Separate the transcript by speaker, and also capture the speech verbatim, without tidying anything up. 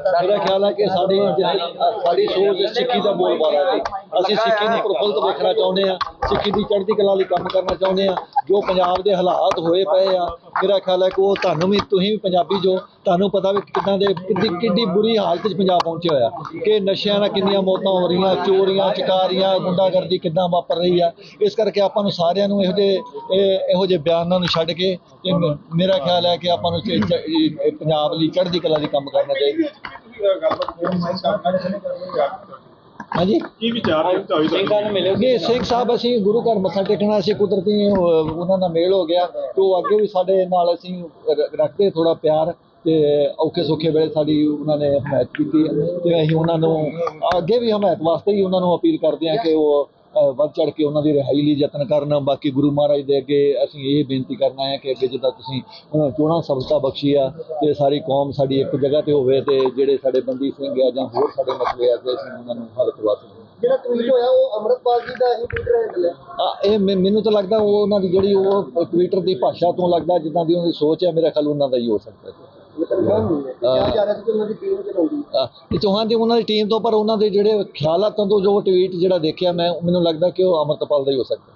Speaker 1: मेरा ख्याल है कि साड़ी साड़ी सोच सिक्खी का बोलबाला है। ਅਸੀਂ ਸਿੱਖੀ ਨੂੰ ਪ੍ਰਫੁੱਲਤ ਵੇਖਣਾ ਚਾਹੁੰਦੇ ਹਾਂ, ਸਿੱਖੀ ਦੀ ਚੜ੍ਹਦੀ ਕਲਾ ਲਈ ਕੰਮ ਕਰਨਾ ਚਾਹੁੰਦੇ ਹਾਂ। ਜੋ ਪੰਜਾਬ ਦੇ ਹਾਲਾਤ ਹੋਏ ਪਏ ਆ, ਮੇਰਾ ਖਿਆਲ ਹੈ ਕਿ ਉਹ ਤੁਹਾਨੂੰ ਵੀ, ਤੁਸੀਂ ਵੀ ਪੰਜਾਬੀ ਜੋ, ਤੁਹਾਨੂੰ ਪਤਾ ਵੀ ਕਿੱਦਾਂ ਦੇ ਕਿੱਡੀ ਕਿੱਡੀ ਬੁਰੀ ਹਾਲਤ 'ਚ ਪੰਜਾਬ ਪਹੁੰਚਿਆ ਹੋਇਆ, ਕਿ ਨਸ਼ਿਆਂ ਨਾਲ ਕਿੰਨੀਆਂ ਮੌਤਾਂ ਹੋ ਰਹੀਆਂ, ਚੋਰੀਆਂ ਚਕਾਰੀਆਂ ਗੁੰਡਾਗਰਦੀ ਕਿੱਦਾਂ ਵਾਪਰ ਰਹੀ ਆ। ਇਸ ਕਰਕੇ ਆਪਾਂ ਨੂੰ ਸਾਰਿਆਂ ਨੂੰ ਇਹੋ ਜਿਹੇ ਇਹੋ ਜਿਹੇ ਬਿਆਨਾਂ ਨੂੰ ਛੱਡ ਕੇ ਤੇ ਮੇਰਾ ਖਿਆਲ ਹੈ ਕਿ ਆਪਾਂ ਨੂੰ ਪੰਜਾਬ ਲਈ ਚੜ੍ਹਦੀ ਕਲਾ ਲਈ ਕੰਮ ਕਰਨਾ ਚਾਹੀਦਾ। हाँ जी की विचार नहीं सिख साहब असी गुरु घर मत्था टेकना, असी कुदरती उन्होंने मेल हो गया तो अगे भी साडे नाल असी रखते थोड़ा प्यार ते औखे सौखे वेले साडी उन्होंने हमायत की ते असीं उन्हां नूं अगे भी हमायत वास्ते ही उन्होंने अपील करते हैं कि वो ਵੱਧ ਚੜ੍ਹ ਕੇ ਉਹਨਾਂ ਦੀ ਰਿਹਾਈ ਲਈ ਯਤਨ ਕਰਨ। ਬਾਕੀ ਗੁਰੂ ਮਹਾਰਾਜ ਦੇ ਅੱਗੇ ਅਸੀਂ ਇਹ ਬੇਨਤੀ ਕਰਨਾ ਹੈ ਕਿ ਅੱਗੇ ਜਿੱਦਾਂ ਤੁਸੀਂ ਚੋਣਾਂ ਸਫਲਤਾ ਬਖਸ਼ੀ ਆ ਤੇ ਸਾਰੀ ਕੌਮ ਸਾਡੀ ਇੱਕ ਜਗ੍ਹਾ ਤੇ ਹੋਵੇ ਤੇ ਜਿਹੜੇ ਸਾਡੇ ਬੰਦੀ ਸਿੰਘ ਆ ਜਾਂ ਹੋਰ ਸਾਡੇ ਮਸਲੇ ਆ ਕਿ ਅਸੀਂ ਉਹਨਾਂ ਨੂੰ ਹੱਲ ਕਰਵਾ ਸਕੀਏ। ਜਿਹੜਾ ਟਵੀਟ ਹੋਇਆ ਉਹ ਅੰਮ੍ਰਿਤਪਾਲ ਜੀ ਦਾ ਹੀ ਟਵਿੱਟਰ ਹੈਂਡਲ ਹੈ। ਆ ਇਹ ਮੈਨੂੰ ਤਾਂ ਲੱਗਦਾ ਉਹ ਉਹਨਾਂ ਦੀ ਜਿਹੜੀ ਉਹ ਟਵਿੱਟਰ ਦੀ ਭਾਸ਼ਾ ਤੋਂ ਲੱਗਦਾ ਜਿੱਦਾਂ ਦੀ ਉਹਦੀ ਸੋਚ ਹੈ, ਮੇਰਾ ਖਿਆਲ ਉਹਨਾਂ ਦਾ ਹੀ ਹੋ ਸਕਦਾ ਹੈ। ਚੌਹਾਨ ਦੀ ਉਹਨਾਂ ਦੀ ਟੀਮ ਤੋਂ, ਪਰ ਉਹਨਾਂ ਦੇ ਜਿਹੜੇ ਖਿਆਲਾਤਾਂ ਤੋਂ ਜੋ ਟਵੀਟ ਜਿਹੜਾ ਦੇਖਿਆ ਮੈਂ, ਮੈਨੂੰ ਲੱਗਦਾ ਕਿ ਉਹ ਅੰਮ੍ਰਿਤਪਾਲ ਦਾ ਹੀ ਹੋ ਸਕਦਾ।